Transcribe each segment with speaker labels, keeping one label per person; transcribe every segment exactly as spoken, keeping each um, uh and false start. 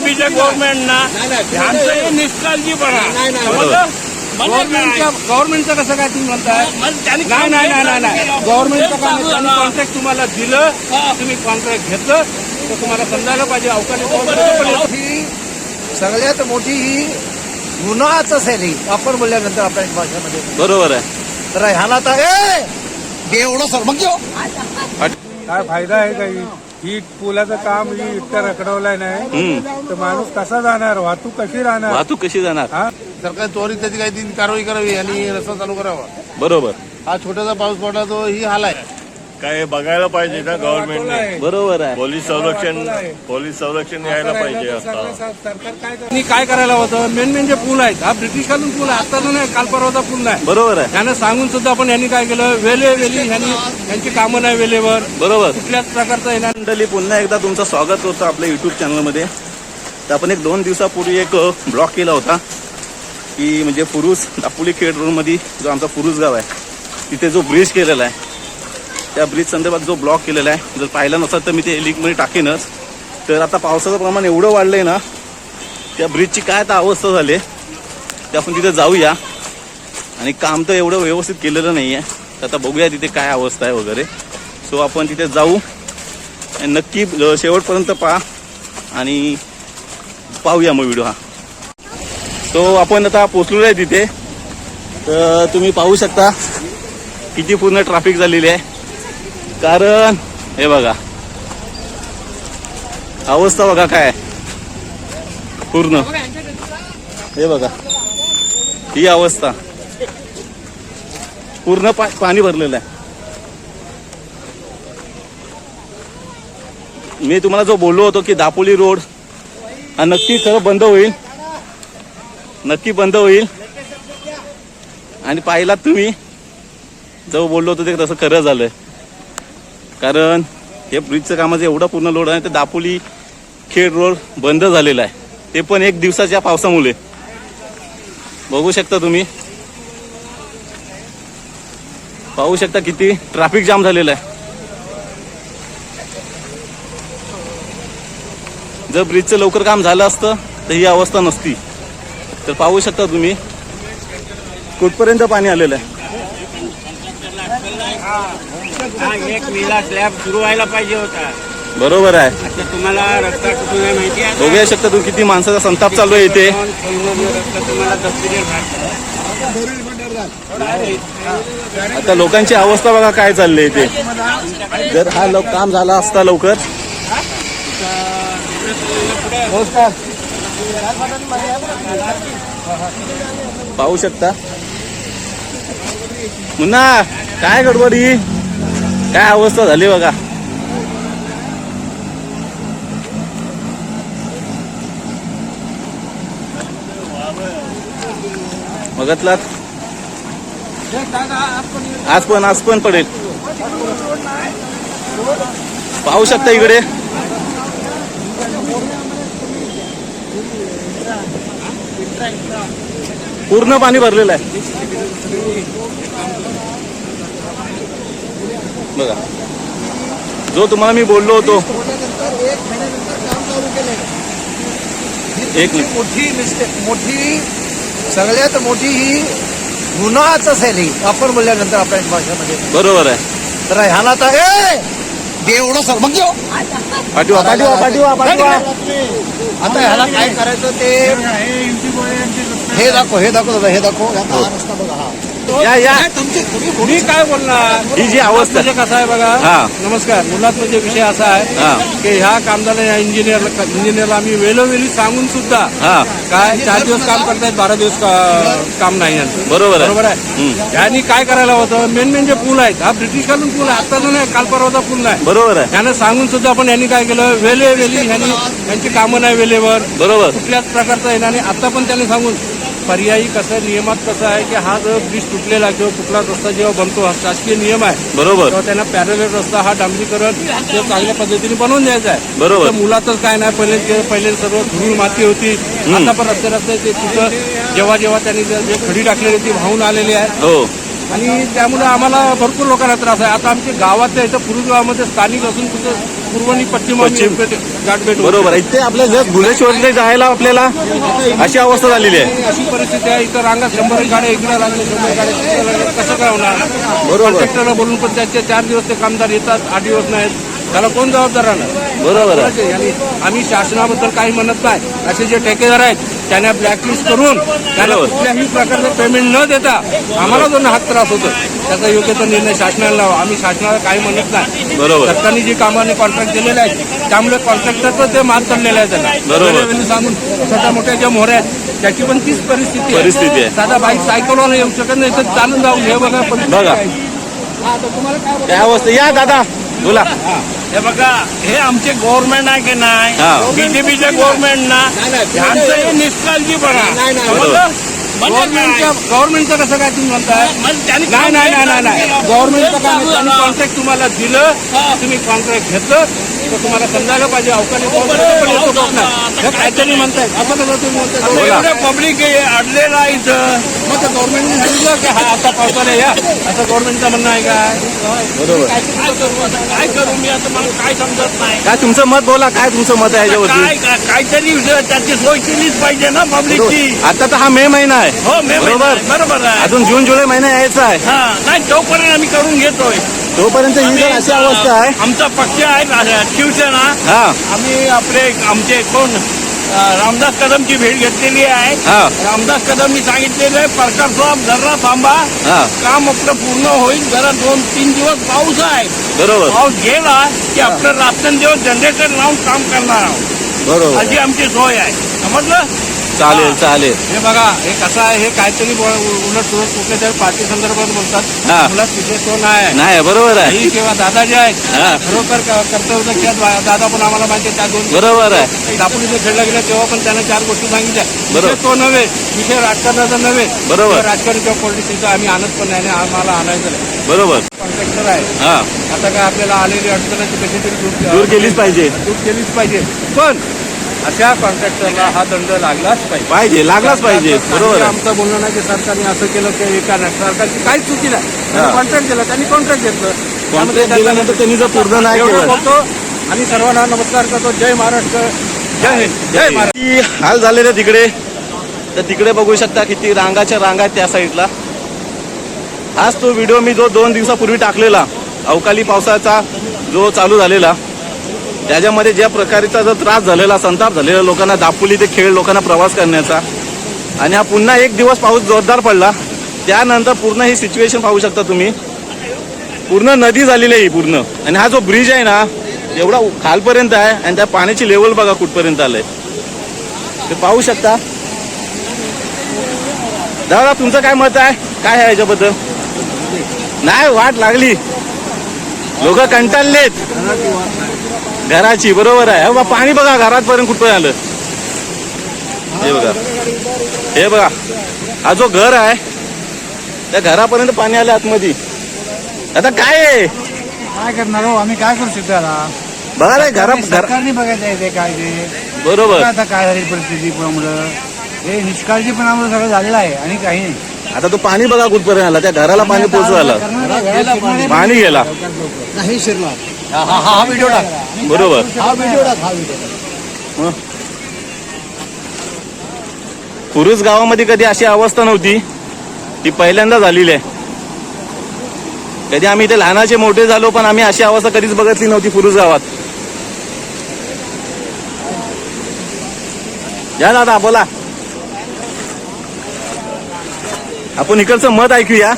Speaker 1: बीजेपीच्या गव्हर्नमेंटना ह्यांचं निष्काळजीपणा
Speaker 2: गव्हर्नमेंटच्या गव्हर्नमेंटचं कसं काय तुम्ही म्हणताय? नाही नाही नाही नाही गव्हर्नमेंटचं कॉन्ट्रॅक्ट तुम्हाला दिलं, तुम्ही कॉन्ट्रॅक्ट घेतलं तर तुम्हाला समजायला पाहिजे. अवकाळी
Speaker 3: सगळ्यात मोठी ही गुन्हाच असेल ही आपण बोलल्यानंतर आपल्या भाषेमध्ये.
Speaker 4: बरोबर आहे.
Speaker 3: तर ह्याला तर एवढं सर मग
Speaker 2: काय फायदा आहे काही? ही पुलाचं काम ही इतकं रखडवलंय नाही तर माणूस कसा जाणार? वाहतूक कशी राहणार?
Speaker 4: वाहतूक कशी जाणार?
Speaker 2: हा
Speaker 5: सरकार त्वरित त्याची काही कारवाई करावी आणि रस्ता चालू करावा.
Speaker 4: बरोबर.
Speaker 5: हा छोटासा पाऊस पडला तो ही हाल आहे.
Speaker 1: काय बघायला पाहिजे ना गव्हर्नमेंटने.
Speaker 4: बरोबर आहे.
Speaker 1: पोलीस संरक्षण पोलीस संरक्षण यायला पाहिजे. आता
Speaker 2: सरकार काय काय करायला होतं? मेन मेन जे पूल आहेत हा ब्रिटिशकालीन पूल आहे, आता नाही काल परवाचा पूल नाही.
Speaker 4: बरोबर आहे.
Speaker 2: त्यांना सांगून सुद्धा आपण यांनी काय केलं? वेले वेली यांनी यांची कामं नाही वेळेवर.
Speaker 4: बरोबर.
Speaker 2: कुठल्याच प्रकारचं येणार.
Speaker 4: मंडळी पुन्हा एकदा तुमचं स्वागत होतं आपल्या युट्यूब चॅनलमध्ये. तर आपण एक दोन दिवसापूर्वी एक ब्लॉग केला होता की म्हणजे फुरुस दापोली खेड रोडमध्ये जो आमचा फुरुस गाव आहे तिथे जो ब्रिज केलेला आहे त्या ब्रिज संदर्भात जो ब्लॉग केलेला आहे, जर पाहिला नसेल तर मी ते लिंकमध्ये टाकेनच. तर आता पावसाचं प्रमाण एवढं वाढलंय ना, त्या ब्रिजची काय आता अवस्था झाली ते आपण तिथे जाऊया. आणि काम तर एवढं व्यवस्थित केलेलं नाही आहे, तर आता बघूया तिथे काय अवस्था आहे वगैरे. सो आपण तिथे जाऊ आणि नक्की शेवटपर्यंत पहा आणि पाहूया मग व्हिडिओ हा. तो आपण आता पोचलेलो आहे तिथे. तर तुम्ही पाहू शकता किती पूर्ण ट्रॅफिक झालेली आहे. कारण हे बघा अवस्था बघा काय पूर्ण. हे बघा ही अवस्था पूर्ण पा, पाणी भरलेलं आहे. मी तुम्हाला जो बोललो होतो की दापोली रोड हा नक्की खरं बंद होईल, नक्की बंद होईल. आणि पाहिलात तुम्ही जो बोललो होतो ते तसं खरं झालंय. कारण हे ब्रिजचं कामाचं एवढं पूर्ण लोड आहे तर दापोली खेड रोड बंद झालेला आहे, ते पण एक दिवसाच्या पावसामुळे. बघू शकता तुम्ही, पाहू शकता किती ट्रॅफिक जाम झालेला आहे. जर ब्रिजचं लवकर काम झालं असतं तर ही अवस्था नसती. तर पाहू शकता तुम्ही कुठपर्यंत पाणी आलेलं आहे.
Speaker 1: एक मेला स्लॅब सुरू व्हायला पाहिजे होता.
Speaker 4: बरोबर आहे.
Speaker 1: आता तुम्हाला रस्ता कुठून आहे माहिती आहे?
Speaker 4: बघूया शकता तुम्ही किती माणसाचा संताप चालू आहे इथे.
Speaker 1: रस्ता तुम्हाला दफ्तरीवर
Speaker 4: आता लोकांची अवस्था बघा काय चालली इथे. जर हा लोक काम झाला असता लवकर. पाहू शकता मुन्ना काय गडबडी, काय अवस्था झाली बघा. बघतलात आज पण आज पण पडेल. पाहू शकता इकडे पूर्ण पाणी भरलेलं आहे बघा. जो तुम्हाला मी बोललो होतो एक मिनिट.
Speaker 3: मोठी मिस्टेक मोठी सगळ्यात मोठी ही गुन्हाच असेल ही आपण बोलल्यानंतर आपल्या भाषेमध्ये.
Speaker 4: बरोबर आहे.
Speaker 3: तर ह्याला तर एवढं सर मग
Speaker 4: पाठवा पाठवा पाठवा पाठवा.
Speaker 3: आता ह्याला काय करायचं ते हे दाखव हे दाखव दादा हे दाखव. हा रस्ता बघा. हा
Speaker 4: या या
Speaker 2: तुम्ही काय बोलणार?
Speaker 4: ही जी अवस्था
Speaker 2: म्हणजे कसं आहे बघा.
Speaker 4: हा.
Speaker 2: नमस्कार. मुलात म्हणजे विषय असा
Speaker 4: हा.
Speaker 2: आहे की ह्या कामगाराला या इंजिनियर इंजिनियरला आम्ही वेळोवेळी सांगून सुद्धा
Speaker 4: हा
Speaker 2: काय चार दिवस काम करतायत, बारा दिवस का- काम नाही यांचं.
Speaker 4: बरोबर आहे.
Speaker 2: बरोबर आहे. यांनी काय करायला होतं? मेन मेन जे पूल आहेत हा ब्रिटिशकालीन पूल आहे, आता नाही काल परवाचा पूल नाही.
Speaker 4: बरोबर आहे.
Speaker 2: त्यांना सांगून सुद्धा आपण यांनी काय केलं? वेले वेली यांनी यांची कामं नाही वेळेवर.
Speaker 4: बरोबर.
Speaker 2: कुठल्याच प्रकारचं येणार नाही. आता पण त्यांनी सांगून पर्यायी कसं नियमात कसं आहे की हा जर ब्रिज तुटलेला किंवा कुठला रस्ता जेव्हा बनतो हा शासकीय नियम आहे
Speaker 4: बरोबर.
Speaker 2: तेव्हा त्यांना पॅरलल रस्ता हा डांबरीकरण किंवा चांगल्या पद्धतीने बनवून द्यायचा आहे.
Speaker 4: बरोबर.
Speaker 2: तर मुलातच काय नाही, पहिले पहिले सर्व धूळ माती होती. आता पण रस्ते रस्ते ते तिथं जेव्हा जेव्हा त्यांनी जे खडी टाकलेली ती वाहून आलेली आहे.
Speaker 4: हो
Speaker 2: आणि त्यामुळे आम्हाला भरपूर लोकांना त्रास आहे. आता आमच्या गावातल्या इथं पुरुष गावामध्ये स्थानिक असून कुठं पूर्व आणि पश्चिम
Speaker 4: पश्चिम.
Speaker 2: गाठभेट होते.
Speaker 4: बरोबर आहे. इथे आपल्या जस्ट भुलेश्वरला जायला आपल्याला अशी अवस्था झालेली आहे.
Speaker 2: अशी परिस्थिती आहे. इथं रांगा शंभर गाड्या इकडे लागले, शंभर गाड्या तिकडे लागल्या. कसं काय होणार?
Speaker 4: बरोबर.
Speaker 2: कॉन्ट्रॅक्टरला बोलून पण त्याचे चार दिवस ते कामदार येतात, आठ दिवस नाहीत. त्याला कोण जबाबदार राहणार?
Speaker 4: बरोबर आहे.
Speaker 2: आणि आम्ही शासनाबद्दल काही म्हणत नाही. असे जे ठेकेदार आहेत त्यांना ब्लॅकलिस्ट करून त्यांना
Speaker 4: बरोबर.
Speaker 2: कुठल्याही प्रकारचं पेमेंट न देता आम्हाला जो हात त्रास होतो त्याचा योग्य तो निर्णय शासनाला लावा. आम्ही शासनाला काही म्हणत नाही.
Speaker 4: बरोबर.
Speaker 2: सरकारने जी कामाने कॉन्ट्रॅक्ट दिलेले आहेत त्यामुळे कॉन्ट्रॅक्टरचं ते माल चाललेलं आहे त्यांना.
Speaker 4: बरोबर.
Speaker 2: रेल्वेने सांगून छोट्या मोठ्या ज्या मोहऱ्या आहेत त्याची पण तीच परिस्थिती
Speaker 4: परिस्थिती आहे.
Speaker 2: साधा बाईक सायकलवर येऊ शकत नाही तर चालून जाऊन हे बघा परिस्थिती
Speaker 4: बघा.
Speaker 2: आहे. हा, तर तुम्हाला काय बोलायचं?
Speaker 4: त्या अवस्था या दादा बोला.
Speaker 1: हे बघा, हे आमचे गव्हर्नमेंट आहे की नाही,
Speaker 4: हा.
Speaker 1: बीजेपीचे गव्हर्नमेंट ना, ह्यांचं हे निष्काळजीपणा.
Speaker 2: नाही, नाही.
Speaker 1: समजलं? म्हणजे
Speaker 2: गव्हर्नमेंटच्या
Speaker 1: काय?
Speaker 2: गव्हर्नमेंटचं कसं काय तुम्ही म्हणताय?
Speaker 1: म्हणजे त्यांनी
Speaker 2: नाही नाही नाही नाही नाही गव्हर्नमेंटचं काय नाही. त्यांनी
Speaker 1: हा.
Speaker 2: कॉन्ट्रॅक्ट तुम्हाला दिलं, तुम्ही कॉन्ट्रॅक्ट घेतलं तर तुम्हाला समजायला पाहिजे अवकाळी पाऊस येतो पण येतो का नाही. हे काहीतरी म्हणताय. असं कसं तुम्ही म्हणताय?
Speaker 1: एवढं पब्लिक अडलेलं आहे इथं.
Speaker 2: मग ते गव्हर्नमेंटने सांगितलं की हा आता पावसाला या असं गव्हर्नमेंटचं म्हणणं आहे काय?
Speaker 4: बरोबर.
Speaker 1: काय करू आता? काय करू मी आता? मला काय समजत नाही.
Speaker 4: काय तुमचं मत बोला. काय तुमचं मत आहे याच्यावरती?
Speaker 1: काय काय- काहीतरी त्याची सोय केलीच पाहिजे ना पब्लिकची.
Speaker 4: आता तर हा मे महिना आहे.
Speaker 1: हो मे
Speaker 4: बरोबर.
Speaker 1: महिना आहे. बरोबर आहे.
Speaker 4: अजून जून जुलै महिना यायचा आहे.
Speaker 1: हा नाही तोपर्यंत आम्ही करून घेतोय.
Speaker 4: तोपर्यंत ही जर अशी अवस्था आहे.
Speaker 1: आमचा पक्ष आहे रा- शिवसेना.
Speaker 4: हा
Speaker 1: आम्ही आपले आमचे कोण अं, रामदास कदमची भेट घेतलेली आहे.
Speaker 4: हा
Speaker 1: रामदास कदमनी सांगितलेलं आहे परकार साहेब जरा थांबा,
Speaker 4: हा
Speaker 1: काम आपलं पूर्ण होईल. जरा दोन तीन दिवस पाऊस आहे.
Speaker 4: बरोबर
Speaker 1: पाऊस गेला की आपलं रात्रंदिवस जनरेटर लावून काम करणार आहोत.
Speaker 4: बरोबर.
Speaker 1: अशी आमची सोय आहे. समजलं?
Speaker 4: चालेल चालेल.
Speaker 2: हे बघा हे कसं आहे हे काहीतरी ब- उलट सुलट कुठल्या तरी पार्टी संदर्भात बोलतात.
Speaker 4: हा.
Speaker 2: मुलात तिथे तो नाही
Speaker 4: नाही बरोबर आहे.
Speaker 2: ही किंवा दादा जे आहेत
Speaker 4: हा.
Speaker 2: खरोखर क- कर्तव्य केलं. दादा पण आम्हाला माहिती आहे त्या दोन
Speaker 4: बरोबर आहे.
Speaker 2: दापोली जे खेळला गेला तेव्हा पण त्यानं चार गोष्टी सांगितल्या.
Speaker 4: बरोबर.
Speaker 2: विषय तो नव्हे, विषय राजकारणाचा नव्हे.
Speaker 4: बरोबर.
Speaker 2: किंवा राजकारण किंवा पॉलिटिक्सचं आम्ही आणत पण नाही आणि आम्हाला आणायचं नाही.
Speaker 4: बरोबर.
Speaker 2: कॉन्ट्रॅक्टर आहे
Speaker 4: हा
Speaker 2: आता काय आपल्याला आलेली अडचणाची कशी तरी दूर
Speaker 4: दूर केलीच पाहिजे.
Speaker 2: दूर केलीच पाहिजे. पण अशा कॉन्ट्रॅक्टरला हा दंड लागलाच पाहिजे.
Speaker 4: पाहिजे लागलाच पाहिजे. बरोबर आहे.
Speaker 2: आमचं बोलणं नाही की सरकारने असं केलं की एका नाही. सरकारची काहीच चुकी नाही.
Speaker 4: हा.
Speaker 2: त्यांनी कॉन्ट्रॅक्ट दिलं, त्यांनी कॉन्ट्रॅक्ट घेतलं.
Speaker 4: कॉन्ट्रॅक्ट दिल्यानंतर त्यांनी जर पूर्ण नाही
Speaker 2: एवढं
Speaker 4: केलं.
Speaker 2: बोलतो आणि सर्वांना नमस्कार करतो. जय महाराष्ट्र, जय हिंद, जय महाराष्ट्र.
Speaker 4: किती हाल झालेले तिकडे. तर तिकडे बघू शकता किती रांगाच्या रांगा आहेत त्या साईडला. हाच तो व्हिडिओ मी जो दोन दिवसापूर्वी टाकलेला अवकाळी पावसाचा जो चालू झालेला त्याच्यामध्ये ज्या प्रकारचा जो त्रास झालेला, संताप झालेला लोकांना, दापोली ते खेळ लोकांना प्रवास करण्याचा. आणि हा पुन्हा एक दिवस पाऊस जोरदार पडला त्यानंतर पूर्ण ही सिच्युएशन पाहू शकता तुम्ही. पूर्ण नदी झालेली आहे ही पूर्ण. आणि हा जो ब्रिज आहे ना एवढा खालपर्यंत आहे आणि त्या पाण्याची लेवल बघा कुठपर्यंत आलंय ते पाहू शकता. दादा तुमचं काय मत आहे? काय आहे याच्याबद्दल? नाही वाट लागली, लोक कंटाळलेत घराची. बरोबर आहे. हे बघा पाणी बघा घरापर्यंत कुठपर्यंत आलं. हे बघा हे बघा हा जो घर आहे त्या घरापर्यंत पाणी आलं आतमध्ये. आता काय आहे
Speaker 3: काय करणार हो आम्ही? काय करू शकतो याला?
Speaker 4: बघा रे घरा घर
Speaker 3: सरकारने बघायचं आहे ते काय ते.
Speaker 4: बरोबर.
Speaker 3: आता काय झाली परिस्थिती पुण्यामुळं हे निष्काळजीपणामुळे सगळं झालेलं आहे आणि काही नाही.
Speaker 4: आता तो पाणी बघा कुठपर्यंत आला. त्या घराला पाणी पोचू आलं. पाणी गेला.
Speaker 3: नाही शिरला. हा हा हा व्हिडिओ टाक.
Speaker 4: बरोबर.
Speaker 3: हा व्हिडिओ टाक. हा व्हिडिओ टाक.
Speaker 4: कुरुस गावामध्ये कधी अशी अवस्था नव्हती. ती पहिल्यांदा झालेली आहे. कधी आम्ही इथे लहानाचे मोठे झालो पण आम्ही अशी अवस्था कधीच बघितली नव्हती कुरुस गावात. या दादा बोला. आपण इकडचं मत ऐकूया.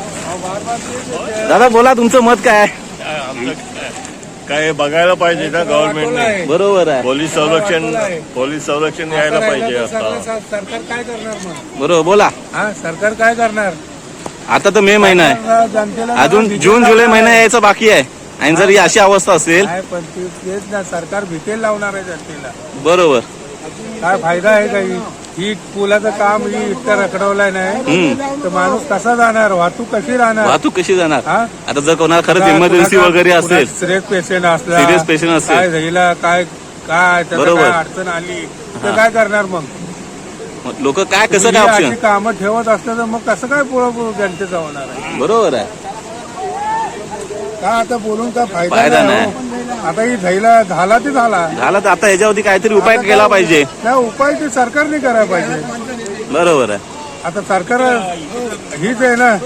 Speaker 4: दादा बोला तुमचं मत काय आहे?
Speaker 6: काय बघायला पाहिजे ना गव्हर्नमेंटने.
Speaker 4: बरोबर आहे.
Speaker 6: पोलीस संरक्षण पोलीस संरक्षण यायला पाहिजे आता.
Speaker 2: सरकार काय करणार मग?
Speaker 4: बरोबर बोला.
Speaker 2: हा सरकार काय करणार?
Speaker 4: आता तर मे महिना आहे.
Speaker 2: जनतेला
Speaker 4: अजून जून जुलै महिना यायचा बाकी आहे. आणि जर ही अशी अवस्था असेल
Speaker 2: काय पण ते- तेच ना सरकार भीतेल लावणार आहे जनतेला.
Speaker 4: बरोबर.
Speaker 2: काय फायदा आहे काही? ही पुलाचं काम ही इतकं रखडवलंय नाही
Speaker 4: हम्म
Speaker 2: तर माणूस कसा जाणार? वाहतूक कशी राहणार?
Speaker 4: वाहतूक कशी जाणार?
Speaker 2: हा?
Speaker 4: आता जर कोणाला खरंच इमर्जन्सी वगैरे असेल,
Speaker 2: सिरियस पेशंट असला,
Speaker 4: सिरियस पेशंट असेल,
Speaker 2: काय झाला काय काय त्याला
Speaker 4: बरोबर.
Speaker 2: काय अडचण आली तर
Speaker 4: हा.
Speaker 2: काय करणार मग?
Speaker 4: लोक काय कसं
Speaker 2: ही
Speaker 4: काय
Speaker 2: अशी
Speaker 4: ऑप्शन.
Speaker 2: कामं ठेवत असलं तर मग कसं काय पुढं जनतेचं होणार आहे?
Speaker 4: बरोबर आहे.
Speaker 2: का आता बोलून काय
Speaker 4: फायदा
Speaker 2: फायदा
Speaker 4: नाही.
Speaker 2: नाही हो. आता ही झाला झाला ते झाला
Speaker 4: झाला तर आता ह्याच्यावरती काहीतरी उपाय केला पाहिजे.
Speaker 2: त्या उपाय ते सरकारने करायला पाहिजे.
Speaker 4: बरोबर आहे.
Speaker 2: आता सरकार हीच आहे ना,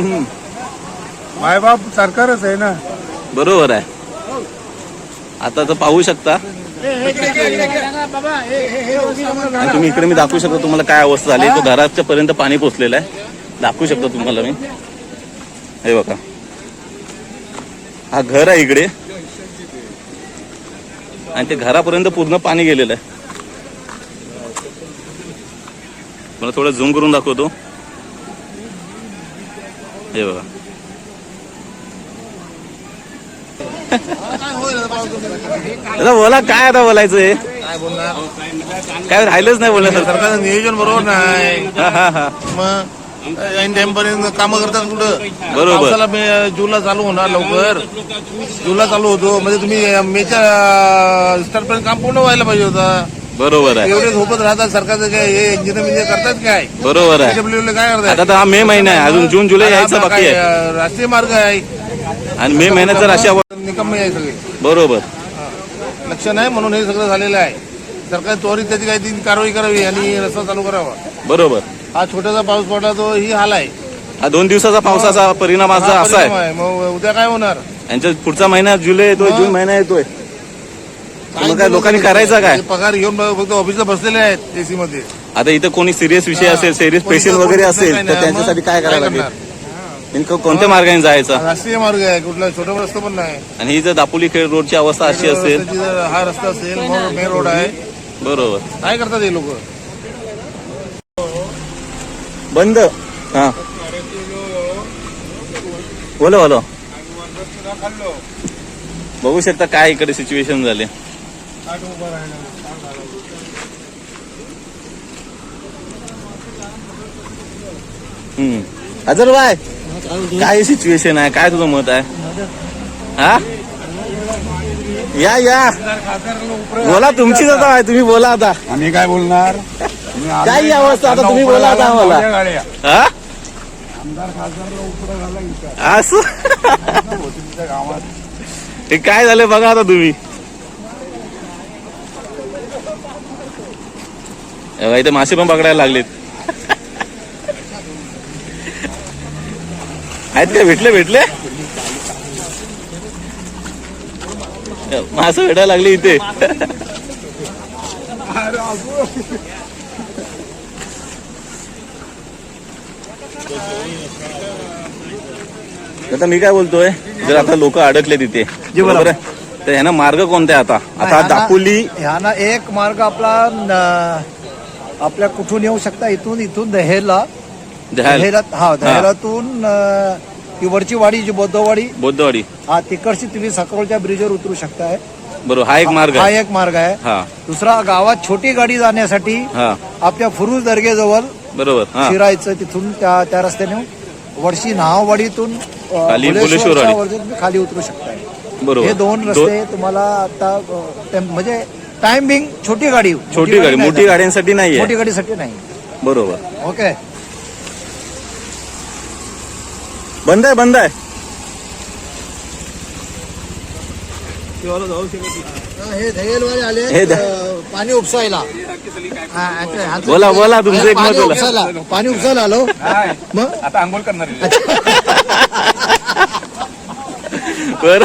Speaker 2: मायबाप सरकारच आहे ना.
Speaker 4: बरोबर आहे. आता तर पाहू शकता आणि तुम्ही इकडे मी दाखवू शकतो तुम्हाला काय अवस्था झाली. तो घराच्या पर्यंत पाणी पोचलेलं आहे. दाखवू शकतो तुम्हाला मी. हे बघा, हा घर आहे इकडे आणि ते घरापर्यंत पूर्ण पाणी गेलेलं आहे. मला थोडं झूम करून दाखवतो. हे बघा, आता बोला काय आता बोलायचं आहे.
Speaker 5: काय बोलणार,
Speaker 4: काय राहिलंच नाही बोलण्यासारखं.
Speaker 5: सरकारचं नियोजन बरोबर नाही.
Speaker 4: हा हा हा
Speaker 5: मग ऐन टाइम पर्यंत कामं करतात कुठं.
Speaker 4: बरोबर.
Speaker 5: पावसाला मे जूनला चालू होणार, लवकर जूनला चालू होतो म्हणजे तुम्ही मेच्या स्टार्ट पर्यंत काम पूर्ण व्हायला पाहिजे होता.
Speaker 4: बरोबर आहे.
Speaker 5: एवढे झोपत राहतात सरकारचं काय, हे इंजिनियर इंजिनियर करतात काय,
Speaker 4: बरोबर आहे.
Speaker 5: डब्ल्यूला काय
Speaker 4: आता
Speaker 5: करतात.
Speaker 4: तर हा मे महिना आहे, अजून जून जुलै यायचं बाकी आहे
Speaker 5: काय, राष्ट्रीय मार्ग आहे
Speaker 4: आणि मे महिन्यात जर अशा
Speaker 5: निकम्मे आहे सगळे.
Speaker 4: बरोबर
Speaker 5: लक्ष नाही म्हणून हे सगळं झालेलं आहे. सरकार त्वरित त्याची काही ती कारवाई करावी आणि रस्ता चालू करावा.
Speaker 4: बरोबर.
Speaker 5: हा छोटासा पाऊस पडला तो ही हाल आहे.
Speaker 4: हा दोन दिवसाचा पावसाचा परिणाम
Speaker 5: हा
Speaker 4: असा असा
Speaker 5: परिणाम
Speaker 4: आहे.
Speaker 5: आहे. मग उद्या काय होणार.
Speaker 4: यांच्या पुढचा महिना जुलै येतोय, जून महिना येतोय. मग काय लोकांनी करायचं काय.
Speaker 5: ते पगार घेऊन फक्त ऑफिसला बसलेले आहेत एसी मध्ये.
Speaker 4: आता इथं कोणी सिरियस विषय असेल, सिरियस पेशंट वगैरे असेल तर त्यांच्यासाठी काय करायला लागेल. नेमकं कोणत्या मार्गाने जायचं.
Speaker 5: राष्ट्रीय मार्ग आहे, कुठला छोटा रस्ता पण नाही.
Speaker 4: आणि ही जर दापोली खेड रोडची अवस्था अशी असेल.
Speaker 5: रस्त्याची जर हा रस्ता असेल, मग मेन रोड आहे,
Speaker 4: बरोबर.
Speaker 5: काय करतात हे लोक.
Speaker 4: बंद. हा बोलो बोलो. बघू शकता काय इकडे सिच्युएशन झाले. हम्म अजर बाय काय सिच्युएशन आहे, काय तुझं मत आहे. हा या या बोला, तुमचीच आता आहे, तुम्ही बोला आता.
Speaker 2: आम्ही काय बोलणार.
Speaker 4: काय ही अवस्था आता तुम्ही बोला आता आम्हाला. हा असं हे काय झालं बघा आता तुम्ही. इथे मासे पण पकडायला लागलेत. आहेत का, भेटले भेटले मासे भेटायला लागले इथे. आता मी काय बोलतोय, जर आता लोक अडकले तिथे बरोबर आहे, तर ह्याना मार्ग कोणता आहे आता. आता दापोली
Speaker 3: ह्याना एक मार्ग आपला न- आपल्या कुठून येऊ शकता, इथून इथून दहेला
Speaker 4: दह्याल
Speaker 3: दहेला हा दहेलातून अं, ती वरची वाडी जी बौद्धवाडी,
Speaker 4: बौद्धवाडी,
Speaker 3: हा तिकडची तुम्ही सकरोलच्या ब्रिजवर उतरू शकताय.
Speaker 4: बरोबर. हा एक मार्ग
Speaker 3: हा
Speaker 4: आहे.
Speaker 3: एक मार्ग आहे.
Speaker 4: हा
Speaker 3: दुसरा गावात छोटी गाडी जाण्यासाठी
Speaker 4: हा
Speaker 3: आपल्या फुरुज दर्गेजवळ
Speaker 4: बरोबर. हा
Speaker 3: शिरायचं, तिथून त्या त्या रस्त्याने वरची नाहवाडीतून अं,
Speaker 4: खाली
Speaker 3: भुलेश्वरच्या
Speaker 4: भुलेश्वरवाडी.
Speaker 3: वरती तुम्ही खाली उतरू शकताय.
Speaker 4: बरोबर.
Speaker 3: हे दोन रस्ते तुम्हाला आता अं, टेम- म्हणजे टाइम बिंग छोटी गाडी
Speaker 4: छोटी गाडी,
Speaker 3: नाही
Speaker 4: मोठी
Speaker 3: जात.
Speaker 4: गाड्यांसाठी नाहीये.
Speaker 3: मोठी गाडीसाठी नाही.
Speaker 4: बरोबर.
Speaker 3: ओके.
Speaker 4: बंद आहे, बंद आहे.
Speaker 3: हे दहेलवाले आले
Speaker 4: हे द-
Speaker 3: अं, पाणी उपसायला. हा, ह्यांचं- ह्यांचं-
Speaker 4: बोला बोला तुमचं एक
Speaker 3: पाणी
Speaker 4: मत बोला.
Speaker 3: उपसायला पाणी उपसायला आलो मग
Speaker 2: आता आंघोळ करणार आहे.
Speaker 4: बर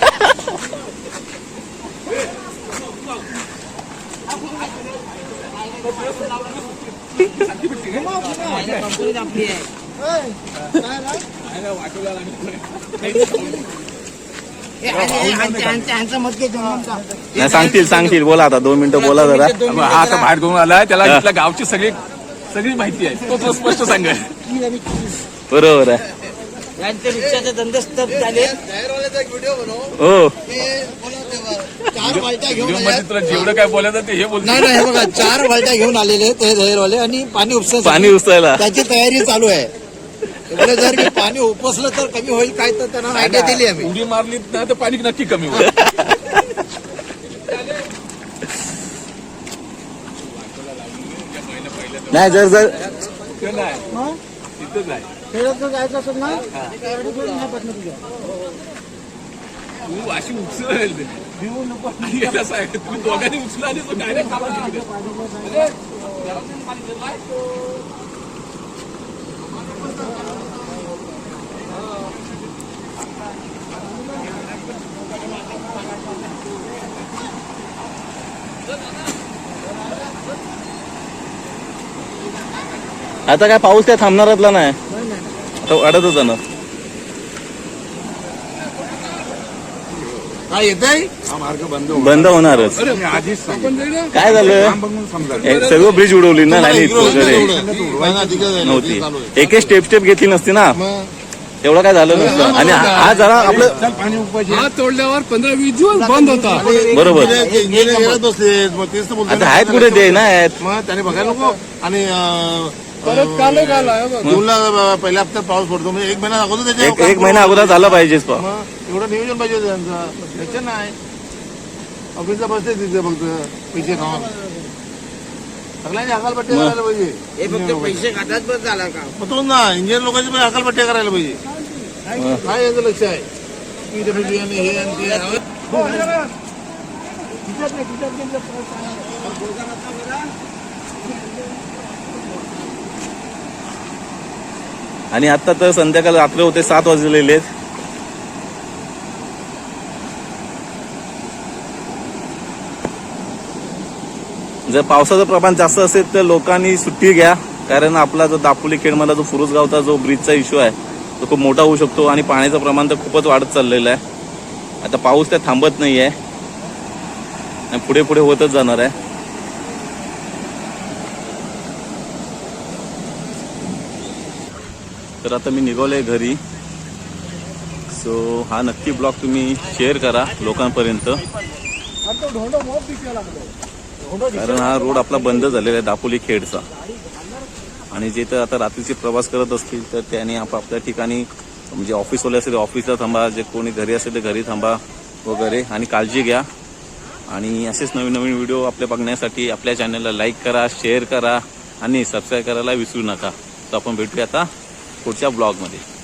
Speaker 4: नाही, सांगतील सांगतील. बोला आता दोन मिनिटं बोला जरा.
Speaker 2: हा आता बाहेर घेऊन आलाय, त्याला इथल्या गावची सगळी सगळी माहिती आहे, तो तो स्पष्ट सांगेल.
Speaker 4: बरोबर आहे.
Speaker 3: यांचे रिक्षाचे धंदे स्तब्ध झाले.
Speaker 4: हो
Speaker 3: चार बालट्या घेऊन आले.
Speaker 2: मध्ये तुला जेवढं काय बोलायचं ते हे बोलतो.
Speaker 3: नाही नाही, हे बघा चार बालट्या घेऊन आलेले ते दहेरवाले आणि पाणी उपसा
Speaker 4: पाणी उचलायला.
Speaker 3: त्याची तयारी चालू आहे. ते बोलले जर की पाणी उपसलं तर कमी होईल काय, तर त्यांना आयडिया दिली आम्ही.
Speaker 2: उडी मारली ना तर पाणी नक्की कमी होईल.
Speaker 4: नाही जर जर
Speaker 2: ते नाही, तिथंच आहे.
Speaker 3: जायचं असेल ना
Speaker 2: तू अशी उचल देऊ नको आणि कसं आहे तुम्ही दोघांनी उचला आणि तो डायरेक्ट खाला तिकडे. अरे, घरातून खाली गेलाय.
Speaker 4: आता काय पाऊस काय थांबणारातला नाही, आता वाढतच जाणार.
Speaker 5: काय येतंय
Speaker 3: हा मार्ग बंद
Speaker 4: बंद होणारच.
Speaker 3: आधीच सांगितलं.
Speaker 4: काय झालं,
Speaker 3: बघून समजा
Speaker 4: हे सगळं ब्रिज उडवली ना, नाही वगैरे
Speaker 5: नव्हती
Speaker 4: नव्हती. एक स्टेप स्टेप घेतली नसती ना, एवढं काय झालं नसतं. आणि हा जरा आपलं
Speaker 3: पाणी उपवायचे.
Speaker 2: हात तोडल्यावर पंधरा वीस दिवस बंद होता.
Speaker 4: बरोबर.
Speaker 5: इंजिनियर बसले मग तेच तर बोलतो
Speaker 4: आता आहेत कुठे ते नाही आहेत.
Speaker 5: मग त्याने बघायला नको. आणि अं,
Speaker 2: परत काल आला
Speaker 5: जूनला पहिल्या हप्त्यात पाऊस पडतो म्हणजे एक महिना अगोदर
Speaker 4: एक
Speaker 5: त्याच्या
Speaker 4: एक महिना अगोदर झाला पाहिजेच. पा
Speaker 5: मग एवढं नियोजन पाहिजे होतं त्यांचं, त्याच्या नाही. ऑफिसला बसते तिथे फक्त पैसे खाऊन सगळ्यांची हकालपट्टी करायला पाहिजे.
Speaker 7: हे फक्त पैसे खात्यात बस झाला का?
Speaker 5: मग तो ना इंजिनियर लोकांची पण हकालपट्टी करायला पाहिजे. काय यांचं लक्ष आहे पीडब्ल्यूडी आणि हे आणि ते.
Speaker 4: आणि आता तर संध्याकाळ रात्र होते, सात वाजलेले आहेत. जर पावसाचं प्रमाण जास्त असेल तर लोकांनी सुट्टी घ्या, कारण आपला जो दापोली खेडमधला जो फुरुस गावचा जो ब्रिजचा इश्यू आहे तो खूप मोठा होऊ शकतो आणि पाण्याचं प्रमाण तर खूपच वाढत चाललेलं आहे. आता पाऊस त्या थांबत नाही आहे आणि पुढे पुढे होतच जाणार आहे. तर आता मी निघालोय घरी. सो हा नक्की ब्लॉग तुम्ही शेअर करा लोकांपर्यंत, कारण हा रोड आपला बंद झालेला आहे दापोली खेडचा. आणि जे तर आता रात्रीचे प्रवास करत असतील तर त्यांनी आपापल्या ठिकाणी, म्हणजे ऑफिसवाले असेल ऑफिसला थांबा, जे कोणी घरी असेल तर घरी थांबा वगैरे. आणि काळजी घ्या. आणि असेच नवीन नवीन व्हिडिओ आपल्या बघण्यासाठी आपल्या चॅनलला लाईक करा, शेअर करा आणि सबस्क्राईब करायला विसरू नका. तर आपण भेटूया आता पुढच्या ब्लॉगमध्ये.